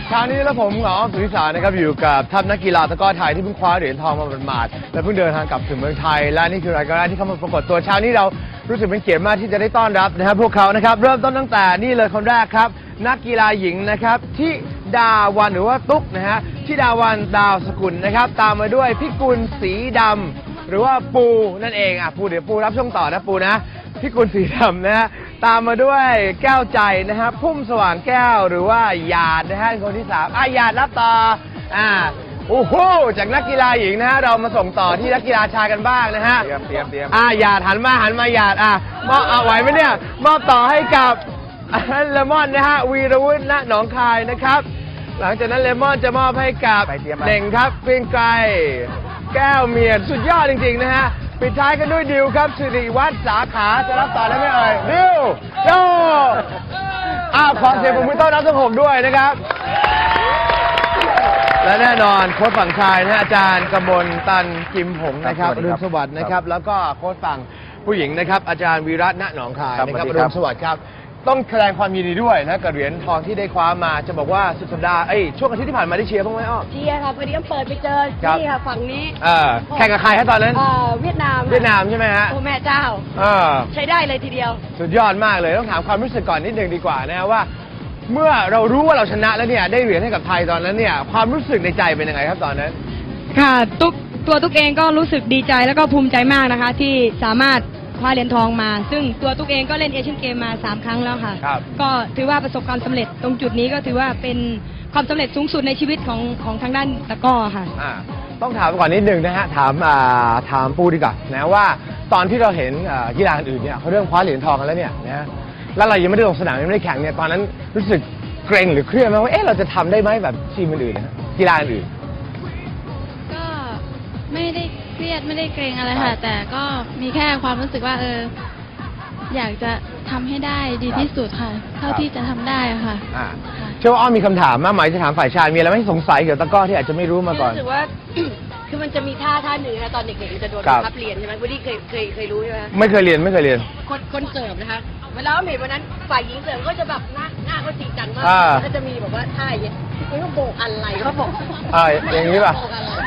เช้านี้แล้วผมหงออ้อมสุริสารนะครับอยู่กับทัพนักกีฬาตะกร้อไทยที่เพิ่งคว้าเหรียญทองมาหมาดๆและเพิ่งเดินทางกลับถึงเมืองไทยและนี่คือรายการแรกที่เข้ามาปรากฏตัวเช้านี้เรารู้สึกเป็นเกียรติมากที่จะได้ต้อนรับนะครับพวกเขานะครับเริ่มต้นตั้งแต่นี่เลยคนแรกครับนักกีฬาหญิงนะครับที่ดาวันหรือว่าตุ๊กนะฮะที่ดาวันดาวสกุลนะครับตามมาด้วยพิกุลสีดำหรือว่าปูนั่นเองปูเดี๋ยวปูรับช่วงต่อนะปูนะพิกุลสีดำนะฮะตามมาด้วยแก้วใจนะฮะพุ่มสว่างแก้วหรือว่าหยาดนะฮะคนที่3หยาดรับต่อโอ้โหจากนักกีฬาหญิงนะฮะเรามาส่งต่อที่นักกีฬาชายกันบ้างนะฮะเตรียมหยาดหันมาหยาดมอบไหวไหมเนี่ยมอบต่อให้กับเลมอนนะฮะวีรวุฒิณหนองคายนะครับหลังจากนั้นเลมอนจะมอบให้กับเด่งครับเพียงไกรแก้วเมียนสุดยอดจริงๆนะฮะปิดท้ายกันด้วยดิวครับสิริวัฒน์สาขาจะรับต่อได้ไหมเอ่ยดิวโยขอเสียงปรบมือต้อนรับทั้ง6ด้วยนะครับและแน่นอนโค้ชฝั่งชายนะอาจารย์กมลตันกิมหงนะครับอรุณสวัสดิ์นะครับแล้วก็โค้ชฝั่งผู้หญิงนะครับอาจารย์วีระณหนองคายนะครับอรุณสวัสดิ์ครับต้องแสดงความยินดีด้วยนะกับเหรียญทองที่ได้คว้ามาจะบอกว่าสุดสัปดาห์ช่วงอาทิตย์ที่ผ่านมาได้เชียร์บ้างไหมอ้อเชียร์ค่ะพอดีก็เปิดไปเจอนี่ค่ะฝั่งนี้แข่งกับใครฮะตอนนั้นเวียดนามใช่ไหมฮะโอ้แม่เจ้าใช้ได้เลยทีเดียวสุดยอดมากเลยต้องถามความรู้สึกก่อนนิดนึงดีกว่านะว่าเมื่อเรารู้ว่าเราชนะแล้วเนี่ยได้เหรียญให้กับไทยตอนนั้นเนี่ยความรู้สึกในใจเป็นยังไงครับตอนนั้นค่ะตุ๊กเองก็รู้สึกดีใจแล้วก็ภูมิใจมากนะคะที่สามารถคว้าเหรียญทองมาซึ่งตัวตุ๊กเองก็เล่นเอเชียนเกมมา3 ครั้งแล้วค่ะก็ถือว่าประสบความสำเร็จตรงจุดนี้ก็ถือว่าเป็นความสำเร็จสูงสุดในชีวิตของทางด้านตะกร้อค่ะต้องถามก่อนนิดนึงนะฮะถามปูดีกว่านะว่าตอนที่เราเห็นกีฬาอื่นเนี่ยเขาเริ่มคว้าเหรียญทองกันแล้วเนี่ยนะแล้วเรายังไม่ได้ลงสนามยังไม่ได้แข่งเนี่ยตอนนั้นรู้สึกเกรงหรือเครียดไหมว่าเราจะทำได้ไหมแบบทีมอื่นนะกีฬาอื่นก็ไม่ได้เครียดไม่ได้เกรงอะไรค่ะแต่ก็มีแค่ความรู้สึกว่าอยากจะทำให้ได้ดีที่สุดค่ะเท่าที่จะทำได้ค่ะเชื่อว่าอ้อมมีคำถามมากมายจะถามฝ่ายชายมีอะไรไม่สงสัยเกี่ยวกับตะกร้อที่อาจจะไม่รู้มาก่อนรู้สึกว่าคือมันจะมีท่าหนึ่งนะตอนเด็กๆมันจะโดนบังคับเรียนใช่ไหมวันนี้เคยรู้ใช่ไหมไม่เคยเรียนคนเสิร์ฟนะคะเวลาเห็นวันนั้นฝ่ายหญิงเสิร์ฟก็จะแบบหน้าเขาจริงจังมากก็จะมีแบบว่าท่าอย่างนี้เขาโบกอะไรเขาบอกอย่างนี้ป่ะ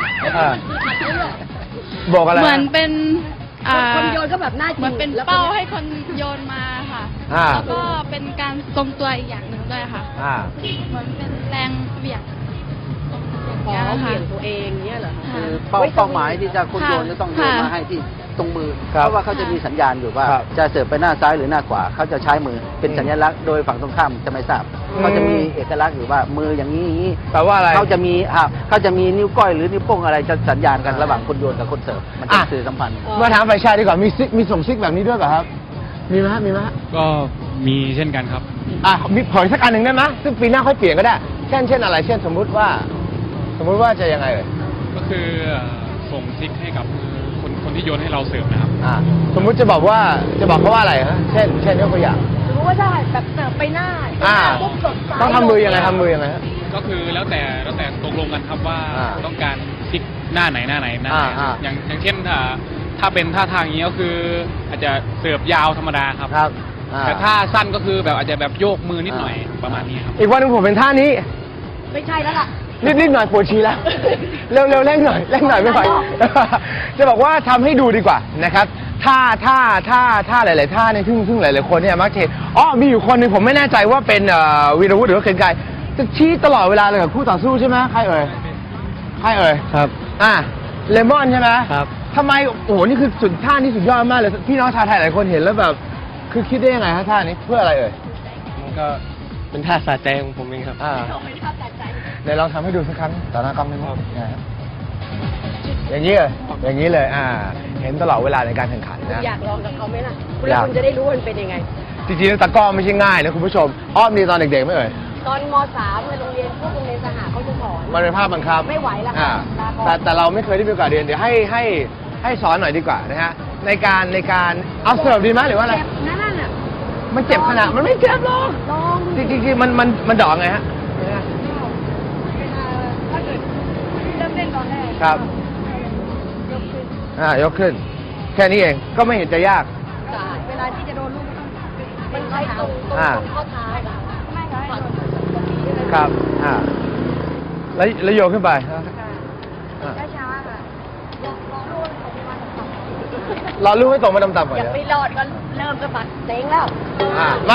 บอกอะไรเหมือนเป็นคนโยนก็แบบหน้าจริงเหมือนเป็นเป้าให้คนโยนมาค่ะแล้วก็เป็นการทรงตัวอีกอย่างหนึ่งด้วยค่ะเหมือนเป็นแรงเบี่ยงเบี่ยงตัวเองเนี่ยเหรอคือเป้าหมายที่จะคนโยนจะต้องโยนมาให้ที่ตรงมือเพราะว่าเขาจะมีสัญญาณอยู่ว่าจะเสิร์ฟไปหน้าซ้ายหรือหน้าขวาเขาจะใช้มือเป็นสัญลักษณ์โดยฝั่งตรงข้ามจะไม่ทราบเขาจะมีเอกลักษณ์อยู่ว่ามืออย่างนี้แปลว่าอะไรเขาจะมีนิ้วก้อยหรือนิ้วโป้งอะไรจะสัญญาณกันระหว่างคนโยนกับคนเสิร์ฟมันเป็นสื่อสัมพันธ์มาถามฝ่ายชายดีกว่ามีส่งซิกแบบนี้ด้วยป่ะครับมีไหมก็มีเช่นกันครับมีผลสักอันหนึ่งได้ไหมซึ่งปีหน้าค่อยเปลี่ยนก็ได้เช่นอะไรเช่นสมมุติว่าจะยังไงเลยก็คือส่งซิกให้กับคนที่โยนให้เราเสิร์ฟนะครับสมมุติจะบอกเขาว่าอะไรฮะเช่นยกตัวอย่างสมมติว่าถ้าแบบเสิร์ฟไปหน้าปุ๊บสดต้องทำมือยังไงฮะก็คือแล้วแต่ตกลงกันครับว่าต้องการซิกหน้าไหนอย่างเช่นถ้าเป็นท่าทางนี้ก็คืออาจจะเสิร์ฟยาวธรรมดาครับแต่ถ้าสั้นก็คือแบบอาจจะแบบโยกมือนิดหน่อยประมาณนี้ครับอีกวันนึงผมเป็นท่านี้ไม่ใช่แล้วล่ะนิดหน่อยปวดฉี่แล้วเร็วเร่งหน่อยไม่ไหวจะบอกว่าทำให้ดูดีกว่านะครับท่าหลายๆท่าเนี่ยซึ่งหลายๆคนเนี่ยมักจะเห็นมีอยู่คนหนึ่งผมไม่แน่ใจว่าเป็นวีรวุฒิหรือว่าเคนไกรจะชี้ตลอดเวลาเลยกับคู่ต่อสู้ใช่ไหมใครเอ่ยครับเลมอนใช่ไหมครับทำไมโอ้โหนี่คือท่านี้สุดยอดมากเลยพี่น้องชาวไทยหลายคนเห็นแล้วแบบคือคิดได้ยังไงฮะท่านี้เพื่ออะไรเอ่ยมันก็เป็นท่าสะใจของผมเองครับเดี๋ยวลองทำให้ดูสักครั้งต่อหน้ากล้องได้ไหมอย่างนี้เลยเห็นตลอดเวลาในการแข่งขันนะอยากลองกับเขาไหมล่ะคุณจะได้รู้ว่ามันเป็นยังไงจริงๆตะกร้อไม่ใช่ง่ายนะคุณผู้ชมอ้อมดีตอนเด็กๆไม่เอ่ยตอนม.3 ในโรงเรียนสหเขาจะสอนมันเป็นภาพบังคับไม่ไหวแล้วแต่เราไม่เคยได้มีโอกาสเรียนเดี๋ยวให้สอนหน่อยดีกว่านะฮะในการเอาเสิร์ฟดีไหมหรือว่าอะไรนั่นน่ะมันเจ็บขนาดมันไม่เจ็บหรอกจริงๆมันดอกไงฮะถ้าเกิดเริ่มเล่นตอนแรกครับยกขึ้นแค่นี้เองก็ไม่เห็นจะยากเวลาที่จะโดนลูกมันใช้ตรงข้อเท้าครับแล้วโยนขึ้นไปช้าๆค่ะรอลูกให้ตกมาต่ำๆก่อนอย่าไปรอดก็เริ่มกระบัดเซ็งแล้วมา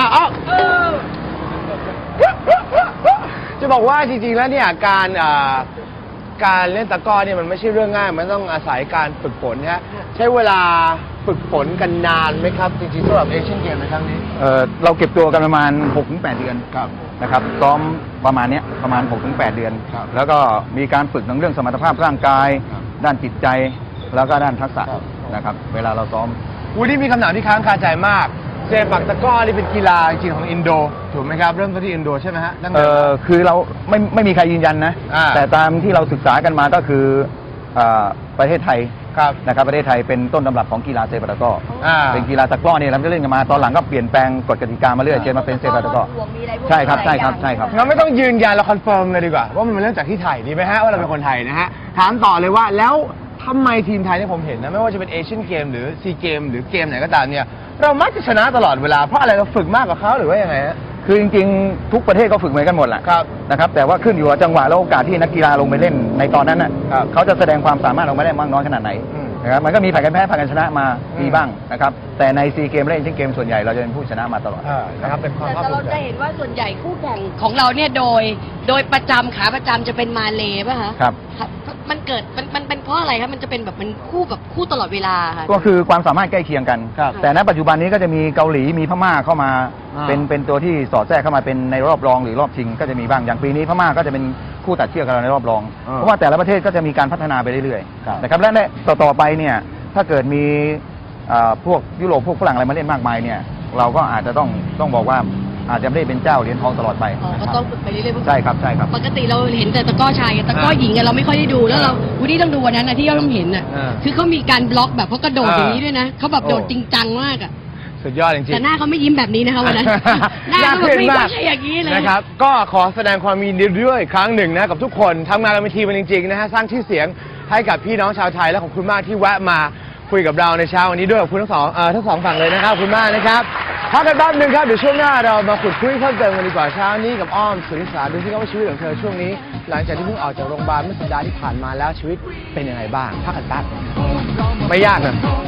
จะบอกว่าจริงๆแล้วเนี่ยการเล่นตะกร้อเนี่ยมันไม่ใช่เรื่องง่ายมันต้องอาศัยการฝึกฝนนะฮะใช้เวลาฝึกฝนกันนานไหมครับจริงๆสำหรับเอเชียนเกมในครั้งนี้เราเก็บตัวกันประมาณ 6-8 เดือนนะครับซ้อมประมาณนี้ประมาณ 6-8 เดือนแล้วก็มีการฝึกทั้งเรื่องสมรรถภาพร่างกายด้านจิตใจแล้วก็ด้านทักษะนะครับเวลาเราซ้อมวันนี้มีคำถามที่ค้างคาใจมากเซปักตะกร้อนี่เป็นกีฬาจริงของอินโดถูกไหมครับเริ่มต้นที่อินโดใช่ไหมฮะคือเราไม่มีใครยืนยันนะแต่ตามที่เราศึกษากันมาก็คือประเทศไทยนะครับประเทศไทยเป็นต้นตำรับของกีฬาเซปักตะกร้อเป็นกีฬาตะกร้อเนี่ยเราจะเล่นกันมาตอนหลังก็เปลี่ยนแปลงกฎกติกามาเรื่อยจนมาเป็นเซปักตะกร้อใช่ครับงั้นไม่ต้องยืนยันเราคอนเฟิร์มเลยดีกว่าว่ามันเป็นเรื่องจากที่ไทยดีไหมฮะว่าเราเป็นคนไทยนะฮะถามต่อเลยว่าแล้วทำไมทีมไทยเนี่ยผมเห็นนะไม่ว่าจะเป็นเอเชียนเกมหรือซีเกมหรือเกมไหนก็ตามเนี่ยเรามักจะชนะตลอดเวลาเพราะอะไรเราฝึกมากกว่าเขาหรือว่ายังไงฮะคือจริงๆทุกประเทศก็ฝึกเหมือนกันหมดแหละนะครับแต่ว่าขึ้นอยู่กับจังหวะและโอกาสที่นักกีฬาลงไปเล่นในตอนนั้นน่ะเขาจะแสดงความสามารถออกมาได้มากน้อยขนาดไหนนะครับมันก็มีผ่านกันแพ้ผ่านกันชนะมามีบ้างนะครับแต่ในซีเกมและเอเชียนเกมส่วนใหญ่เราจะเป็นผู้ชนะมาตลอดนะครับเป็นความภาคภูมิใจแต่เราจะเห็นว่าส่วนใหญ่คู่แข่งของเราเนี่ยโดยประจำขาประจำจะเป็นมาเลป่ะคะครับมันเกิดมันเป็นเพราะอะไรครับมันจะเป็นแบบมันคู่ตลอดเวลาค่ะก็คือความสามารถใกล้เคียงกันแต่ณปัจจุบันนี้ก็จะมีเกาหลีมีพม่าเข้ามาเป็นตัวที่สอดแทรกเข้ามาเป็นในรอบรองหรือรอบชิงก็จะมีบ้างอย่างปีนี้พม่าก็จะเป็นคู่ตัดเชือกกับเราในรอบรองเพราะว่าแต่ละประเทศก็จะมีการพัฒนาไปเรื่อยๆนะครับและต่อไปเนี่ยถ้าเกิดมีพวกยุโรปพวกฝรั่งอะไรมาเล่นมากมายเนี่ยเราก็อาจจะต้องบอกว่าอาจจะไม่ได้เป็นเจ้าเหรียญทองตลอดไปก็ต้องฝึกไปเรื่อยๆใช่ครับปกติเราเห็นแต่ตะกร้อชายตะกร้อหญิงเราไม่ค่อยได้ดูแล้วเราวันนี้ต้องดูวันนั้นนะที่เราเห็นน่ะคือเขามีการบล็อกแบบเขากระโดดอย่างนี้ด้วยนะเขาแบบโดดจริงจังมากอ่ะสุดยอดจริงๆแต่หน้าเขาไม่ยิ้มแบบนี้นะคะวันนั้นหน้าเขาไม่ใช่อย่างนี้เลยนะครับก็ขอแสดงความยินดีด้วยครั้งหนึ่งนะกับทุกคนทำงานกันเป็นทีมจริงๆนะฮะสร้างชื่อเสียงให้กับพี่น้องชาวไทยและขอบคุณมากที่แวะมาคุยกับเราในเช้าวันนี้ด้วยขอบคุณทั้งสองฝั่งเลยนะครับขอบคุณมากนะครับพักกันแป๊บนึงครับเดี๋ยวช่วงหน้าเรามาขุดคุยเพิ่มเติมกันดีกว่าเช้านี้กับอ้อมสุริศาดูที่ว่าชีวิตของเธอช่วงนี้หลังจากที่เพิ่งออกจากโรงพยาบาลเมื่อสัปดาห์ที่ผ่านมาแล้วชีวิตเป็นยังไงบ้างพักกันแป๊บไม่ยากนะ